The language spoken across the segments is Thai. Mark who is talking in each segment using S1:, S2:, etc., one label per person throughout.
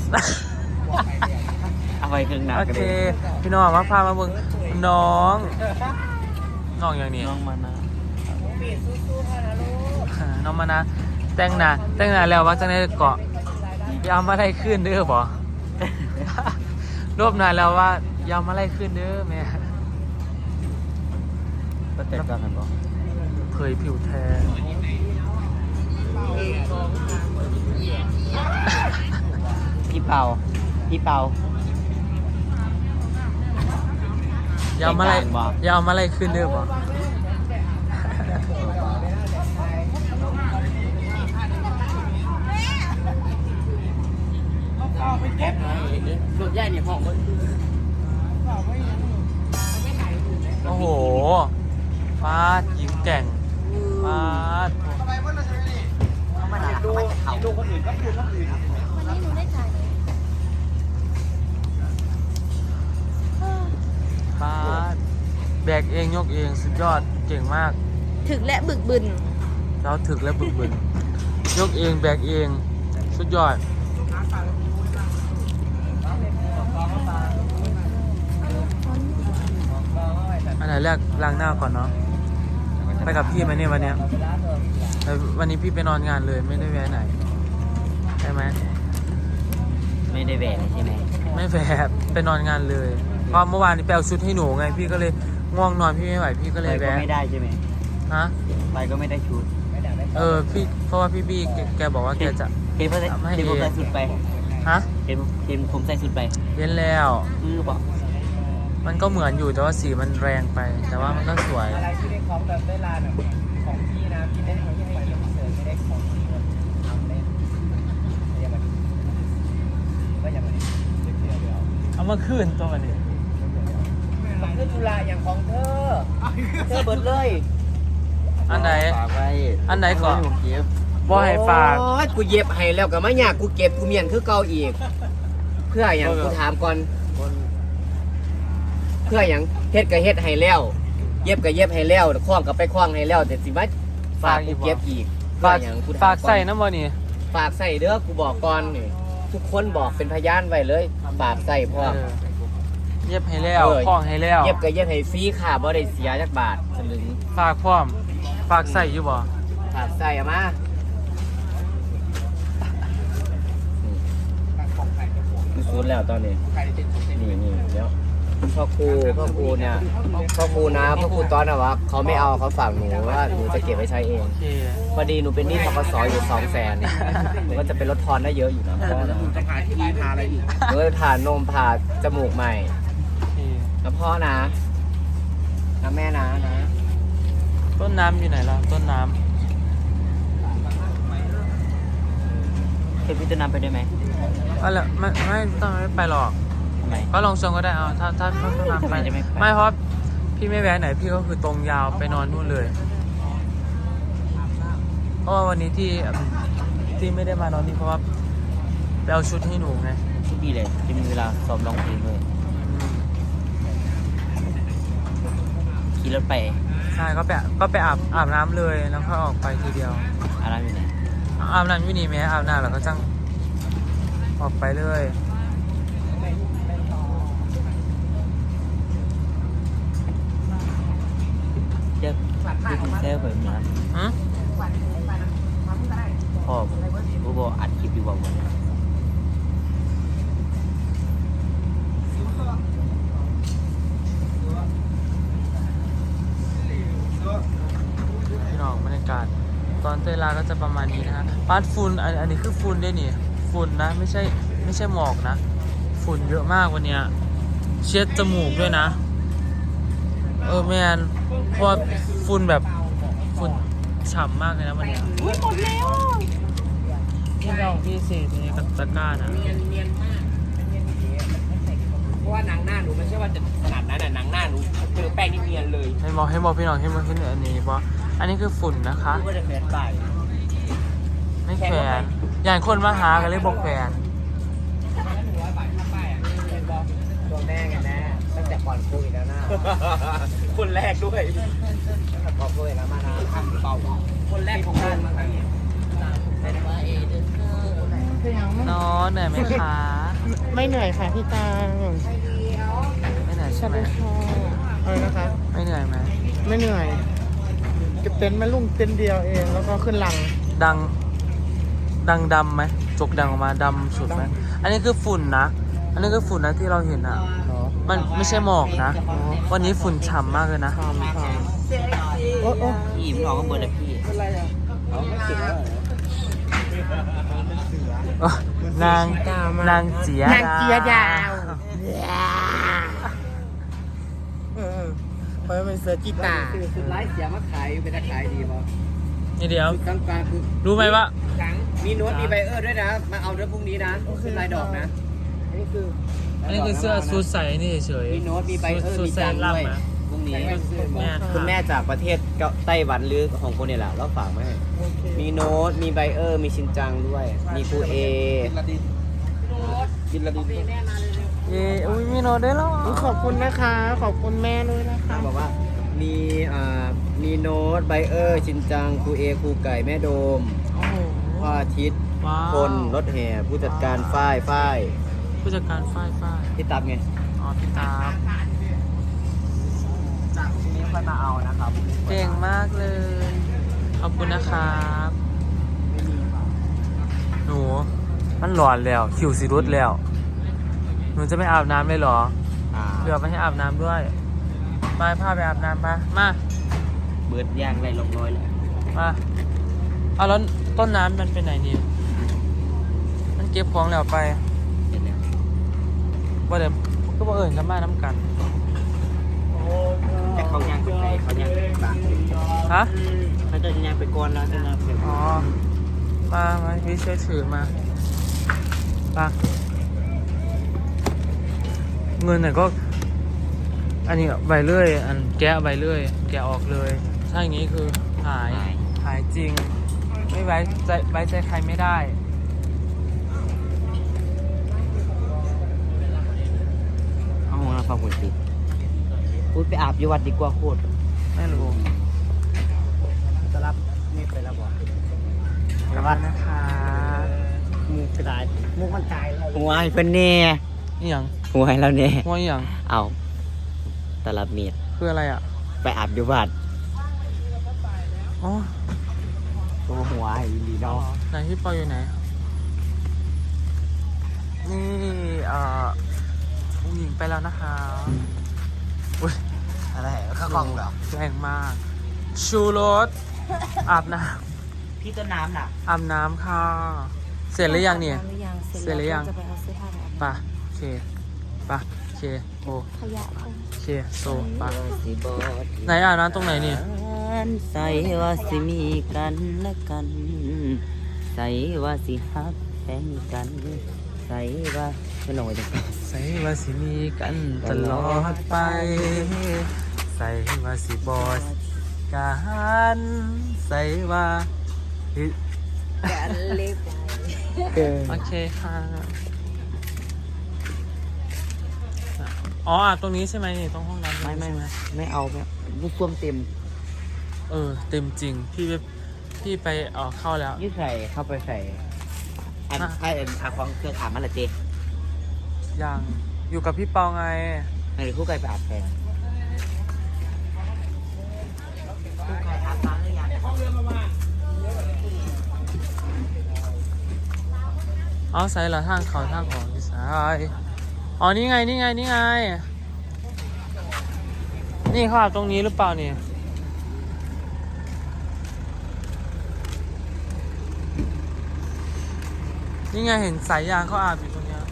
S1: เอาไปเครื่องหนัก
S2: โอเคพี่น้องมาพามาเบิ่งน้องอย่างนี้
S1: น้องมานะ
S2: น้องมานะแต่งหน้าแล้วว่าจะได้เกาะยามมาไล่ขึ้นเด้อบ่ รวบนานแล้วว่ายามมาไล่ขึ้นเด้อแม่
S1: ก็แต่กันกันบอก
S2: เผยผิวแทน
S1: พี่เปาย
S2: ามมาไล่ขึ้นเด้อบ่
S1: แก๊ปนะรถใหญ่เนี่ยห้องมัน
S2: โอ้โหฟาดยิ้มแก่งฟาด
S1: ดูคนอื่นก็คือคนอื่น
S3: วันนี้หนูได้จ่ายไหม
S2: ฟาดแบกเองยกเองสุดยอดเก่งมาก
S3: ถึกและบึกบึน
S2: เราถึกและบึกบึนยกเองแบกเองสุดยอดอันไหนแรกล้างหน้าก่อนเนาะไปกับพี่ไหมเนี่ยวันเนี้ยวันนี้พี่ไปนอนงานเลยไม่ได้แวะไหนใช่ไหม
S1: ไม่ได้แหวนใช่ไหม
S2: ไม่แวะไปนอนงานเลยเพราะเมื่อวานนี้ไปเอาชุดให้หนูไงพี่ก็เลยง่วงนอนพี่ไม่ไหวพี่ก็เล
S1: ไป
S2: ย
S1: ก็
S2: แวะ
S1: ไม่ได้ใช่ไหม
S2: ฮะ
S1: ไปก็ไม่ได้ชุด
S2: พี่เพราะว่าพี่บี้แกบอกว่าแกจะ
S1: เห็นผมใส่สุดไป
S2: ฮะ
S1: เห็นผมใส่สุดไป
S2: เย็นแล้ว
S1: บอก
S2: มันก็เหมือนอยู่แต่ว่าสีมันแรงไป แต่ว่ามันก็สวย
S4: อะไรที่ได้ของแบบได้ลานอ่ะของพี่นะพี่ได้ของที่ให้ยืมเสริมไม่ได้ของที่มันทำเล่นยังไงก็ยังไงเดี๋ยว
S2: เอามาคืนตัวมันนี่
S4: มันคือจุฬาอย่างของเธอเบิดเลย
S2: อันไหน
S1: ฝากไว้
S2: อันไหนก่อน
S1: ผมเก็บ
S2: บ่ให้ฝาก
S4: โอ้ยกูเย็บให้แล้วก็ไม่อยากกูเก็บกูเมียนคือเก่าอีก เพื่ออย่างกูถามก่อนเพื่ออย่างเฮ็ดก็เฮ็ดให้แล้ว เย็บก็เย็บให้แล้วคล้องก็ไปคล้องให้แล้วแต่สิว่าฝากกูเก็บอีกเพื่
S2: ฝา
S4: อก อย่างกูถาม
S2: ฝาก
S4: ก่อน
S2: ใส่น้ำมันนี่
S4: ฝากใส่เด้อกูบอกก่อนนี่ทุกคนบอกเป็นพยานไว้เลยฝากใส่พ่อ
S2: เย็บให้แล้วคล้องให้แล้ว
S4: เย็บก็เย็บให้ฟรีค่ะบ่ได้เสียจักบาทสลึง
S2: ฝากพร้อมฝากใส่อยู่บ่
S4: ฝากใส่เอามา
S1: คือชุดแล้วตอนนี้
S4: นี่เดี๋ยวพ่อครูเนี่ยพ่อครูนะพ่อครูตอนน่ะวะเขาไม่เอาเขาฝากหนูว่าหนูจะเก็บไว้ใช้เอง
S2: โอเค
S4: พอดีหนูเป็นหนี้ธกสอยู่200,000หนูก็จะเป็นลดทอนได้เยอะอยู่นะพ่อนะ
S1: จะหาที่ทาอะไรอีก
S4: หนูจะผ่านมผ่าจมูกใหม่
S2: โอเค
S4: นะพ่อนะแม่นะ
S2: ต้นน้ำอยู่ไหนล่ะต้นน้
S1: เคยพี่ต้นน้ำไปได้ไหม
S2: ำอะไรไม่ต้องไม่ไปหรอก
S1: ทำไม
S2: ก็ลองชวนก็ได้เอาถ้าต้นน้ำ
S1: ทำไมจะไม่ไป
S2: ไม่เพราะพี่ไม่แวะไหนพี่ก็คือตรงยาวไปนอนนู่นเลย เพราะว่าวันนี้ที่ไม่ได้มานอนนี่เพราะว่าไปเอาชุดให้หนูไง
S1: ชุดดีเลยจะมีเวลาซ้อมร้องเพลงเลย
S2: อืม
S1: ขี่รถไป
S2: ใช่ก็ไปอาบน้ำเลยแล้วก็ออกไปทีเดียว
S1: อะไรอยู่ไหน
S2: อาบน้ำอยู่นี่ไหมอาบน้ำแล้วก็จังออกไปเลย
S1: เดี๋ยวดูเซลไปเหมือนกัน
S2: อืม
S1: พ่อกูบอกอัดคลิปอยู่บอกว่า
S2: พี่น้องบรรยากาศตอนเตยลาก็จะประมาณนี้นะฮะปาดฝุ่นอันนี้คือฝุ่นด้วยนี่ฝุ่นนะไม่ใช่หมอกนะฝุ่นเยอะมากวันเนี้ยเช็ดจมูกด้วยนะแมนเพราะว่าฝุ่นแบบฝุ่นฉ่ำมากเลยนะวันเนี้ย
S3: อุ้ยหมดแล้ว
S2: พี่เราพี่เศษนี่กับตะกร้านะ
S4: เนียนมากเพราะว่าหนังหน้าหนูไม่ใช่ว่าจะขนาดนั้นน่ะหนังหน้าหนูเจอแป้งนี่เนียนเลย
S2: ให้บอกพี่น้องให้มาขึ้นอันนี้เพราะอันนี้คือฝุ่นนะคะ
S4: กูก็จะแขวนไป
S2: ไม่แขวนอย่างคนมาหากันเลยบอกแขวน
S4: ตัวแม่ไงแม่ตั้งแต่ก่อนโควิดแล้วนะ
S1: คนแรกด้วย
S4: ตั้งแต่ก่อนโควิดแล้วมานะทำเป่าคนแรกของบ้านมา
S2: น้องเหนื่อยไหมคะ
S5: ไม่เหนื่อยค่ะพี่ตา
S2: ไม่เหนื่อยใช่ไหม
S5: อะไรนะคะ
S2: ไม่เหนื่อยไหม
S5: ไม่เหนื่อยเก็บเต็นท์มาลุ่มเต็นท์เดียวเองแล้วก็ขึ้นลัง
S2: ดังดำไหมจกดังออกมาดำสุดไหมอันนี้คือฝุ่นนะ อันนี้คือฝุ่นนะที่เราเห็นอ่ะ
S5: เนาะ
S2: มันไม่ใช่หมอกนะ วันนี้ฝุ่นฉ่ำมากเลยนะ
S5: ทำโอ้โอ้
S1: พี่มันออกก็เบิร์ดเลยพี่
S5: เป็นไรอ่ะเอาไม่ถึงแล้ว
S2: นางเจีย
S5: นางเจียดาวเพราะเป็นเสือกีตาร์
S4: คือสุดไลฟ์เสียมาขายเป็นขายดีป่ะ
S2: นี่เดี๋ยว
S4: กลางๆคือ
S2: รู้ไหมว่า
S4: มีโน้ตมีไบเออร์ด้วยนะ มาเอาด้วยพรุ่งนี้นะเป็นลายดอกนะ
S5: อันนี้คือ
S2: อันนี้คือเสื้อซูดใส่นี่เฉย
S4: มีโน้ตมีไบเออร์
S2: ซูด
S4: มี
S2: ใส่
S4: จัง
S2: ล่ำ
S4: ด้วย
S2: นะ
S4: พรุ่งนี้
S2: แม่
S4: คุณแม่จากประเทศไต้หวันหรือของคนเนี่ยแหละเราฝากมาให้
S5: โอเค
S4: มีโน้ตมีไบเออร์มีชินจังด้วย มีครูเอกินละดิน
S2: เย้อุ้ยมีโน้ตด้วยเหรอ
S5: ขอบคุณนะคะ ขอบคุณแม่ด้วยนะคะ
S4: บอกว่ามีโน้ตไบเออร์ชินจังครูเอครูไก่แม่โดม
S2: โอ้โห
S4: พ่ออาทิตย์
S2: ว้าว
S4: คนรถแห่ผู้จัดการฝ้าย
S2: ผู้จัดการฝ้าย
S4: ที่ตับไง
S2: อ๋อพี่ตาบ
S4: จากพรุ่งนี้ค่อยมาเอานะครับ
S2: เก่งมากเลย ขอบคุณนะครับหนูมันหลอนแล้วคิวสิรุดแล้ว หนูจะไม่อาบน้ำเลยเหรอเดี๋ยวไปให้อาบน้ำด้วยมาพาไปอาบน้ำมามา
S1: เบิร์ดย่างไรลงน้อยเลย
S2: มาเอาแล้วต้นน้ำมันไปไหนนี่มันเก็บของแล้วไปว่าเดี๋ยวก็บ่เอิญกันมาน้ำกัน
S1: แต่เขาย่างไปไหนเขาย่างไปบ้าน
S2: ฮะ
S1: เขาจะย่างไปก่อนแล้วจะย่างไป
S2: อ๋อมาพี่ช่วยถือมาเงินเนี่ยก็ อันนี้ใบเลื่อยอันแกะใบเลื่อยแกะออกเลยถ้าอย่างนี้คือหายจริง ไม่ไว้ใจใครไม่ได้
S1: เอาของเราฟังคนติดพูดไปอาบอยู่วัดดีกว่าโคตร
S2: ไม่รู้
S4: จะรับนี่ไปแล้วบอก
S2: กลับบ้านนะคะ
S4: มูกระดาษมูกมันตายแล้ว
S1: หัวให้เพิ่นแน่
S2: นี่ยัง
S1: หัวให้เราแน่
S2: หัวนี่ยัง
S1: เอาตลับเมียด
S2: คืออะไรอ่ะ
S1: ไปอาบอยู่วัด
S2: อ๋อ
S1: ตัวหัวให้ดีเนาะ
S2: ไหนพี่ปออยู่ไหน นี่ผู้หญิงไปแล้วนะคะอุ้ย
S1: อะไรข้าวกล่องเหรอ
S2: แรงมาก ชูรสอาบน้
S1: พี่ต้นน้ำน่ะ
S2: ำอาบน้ำค่ะ เสร็จหรือยังเนี่ย เสร็จหรือยัง
S3: จะไปเอาเสื้อผ้าไปอาบน้
S2: ป่ะโอเคป่ะโอเคโอ
S3: ำขยะคง
S2: เคโซป่ะ
S1: สิบอด
S2: ไหนอาบน้ำตรงไหนนี่
S1: ใส่ว่าสิมีกันและกันใส่ว่าสิฮักแฟนกันใส่ว่าไม่ลงไปจัง
S2: ใส่ว่าสิมีกันตลอดไป ใส่ว่าสิบอดกันใส่ว่า
S3: กันเล็บ
S2: โอเคค่ะ อ๋ออาบตรงนี้ใช่ไหมนี่ตรงห้องน้ำ
S1: ไม่เอาลูกส้วมเต็ม
S2: เต็มจริง พี่ไปเข้าแล้ว
S1: ยืดใส่เข้าไปใส่อันไอ้อาของเครื่องอาบมันละเจ
S2: ยังอยู่กับพี่เปาไง
S1: หรือคู่ไก่ไปอาบแทนคู่ไก่อาบน้ำหรือยัง
S2: อ๋อใส่ละทางเขาทางของพี่สายอ๋อนี่ไง นี่เขาอาบตรงนี้หรือเปล่าเนี่ยนี่ไงเห็นสายยางเขาอาบอยู่ตรงเนี้ย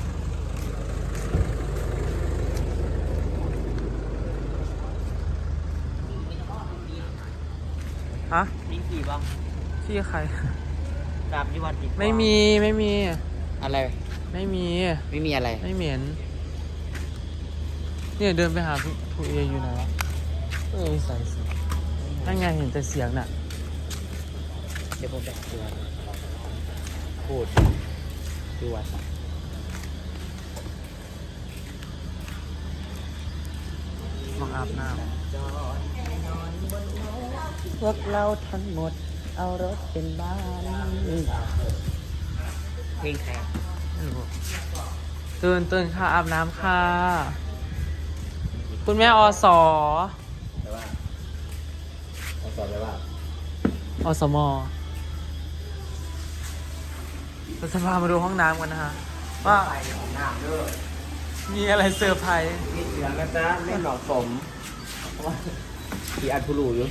S2: ฮะ
S1: มีกี่บ้าง
S2: พี่ใคร
S1: ดาบยี่วัดดีกว่า
S2: ไม่มี
S1: อะไร
S2: ไม่มี
S1: ไม่มีอะไร
S2: ไม่เหม็นเนี่ยเดินไปหาผู้เออยู่ไหนวะใส่เสียงนั่นไงเห็นแต่เสียงน่ะ
S1: เดี๋ยวผมไปหาดูพูดดูวัด
S2: มองอาบน้
S1: พวกเราทั้งหมดเอารถเป็นบ้านเพลงใคร
S2: ำไม่รู้ตื่นค่ะอาบน้ำค่ะ คุณแม่อส
S4: แต่ว่าเอาสอนเลยว่า
S2: อสมเราจะพามาดูห้องน้ำกันนะฮะว่า
S4: ไปของน้ำเด้อ
S2: มีอะไรเซอร์ไพรส์
S4: นี่เสือกันจ้าไม่เหมาะสมเพราะว่าที่อัดผู้รู้อยู่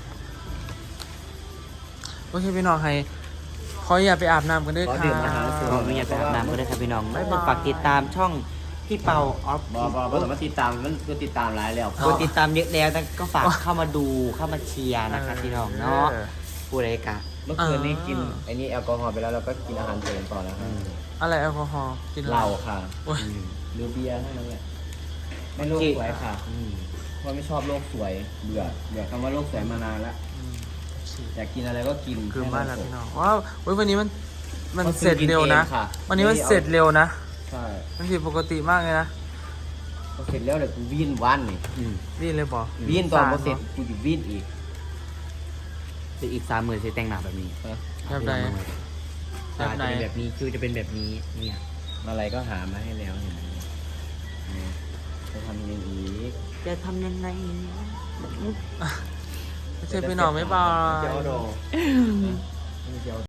S2: โอเคพี่น้องให้ขออย่าไปอาบน้ำกันด้วยค่ะ
S1: ขออนุญาตไปอาบน้ำก็ได้ครับพี่น้องไม่ฝากติดตามช่องพี่เปาออฟ
S4: บ่ต้องมาติดตามมันคือติดตามหลายแล้ว
S1: กดติดตามเยอะแล้วแต่ก็ฝากเข้ามาดูเข้ามาเชียร์นะครับพี่น้องเนาะผู้ใดกะ
S4: เมื่อคืนนี้กินไอ้นี่แอลกอฮอล์ไปแล้วเราก็กินอาหารเสริมต่อแล้วครับ
S2: อะไรแอลกอฮอล์กิน
S4: เหล้าค่ะ
S2: โอ้ย
S4: หรือเบียร์เท่านั้นแหละไม่โลกสวยค่ะเพราะไม่ชอบโลกสวยเบื่อคำว่าโลกสวยมานานแล้วอยากกินอะไรก็กิน
S2: คือบ้านเราพี่น้องว้าวเว้ยวันนี้มัน
S4: ก็
S2: เสร็จเร็วนะ
S4: กินเองค่ะ
S2: วันนี้มันเสร็จเร็วนะ
S4: ใช่
S2: มันผิดปกติมากเลยนะ
S4: พอเสร็จแล้วเดี๋ยวกูวิ่นวันนี่
S2: นี่เลยบอก
S4: วิ่นตอนพอเสร็จกูจะวิ่นอีก
S1: คืออีก30,000จะแต่งหน้าแบบนี้
S2: แบบไหน
S1: จะเป็นแบบนี้คิวจะเป็นแบบนี้เนี่ย
S4: อะไรก็หามาให้แล้วเห็นไหมจะทำยังไงอีก
S1: จะทำยังไง
S2: ไม่ใช่พี่น้องไม่บาย
S4: เจ้าโดไม่เจ้า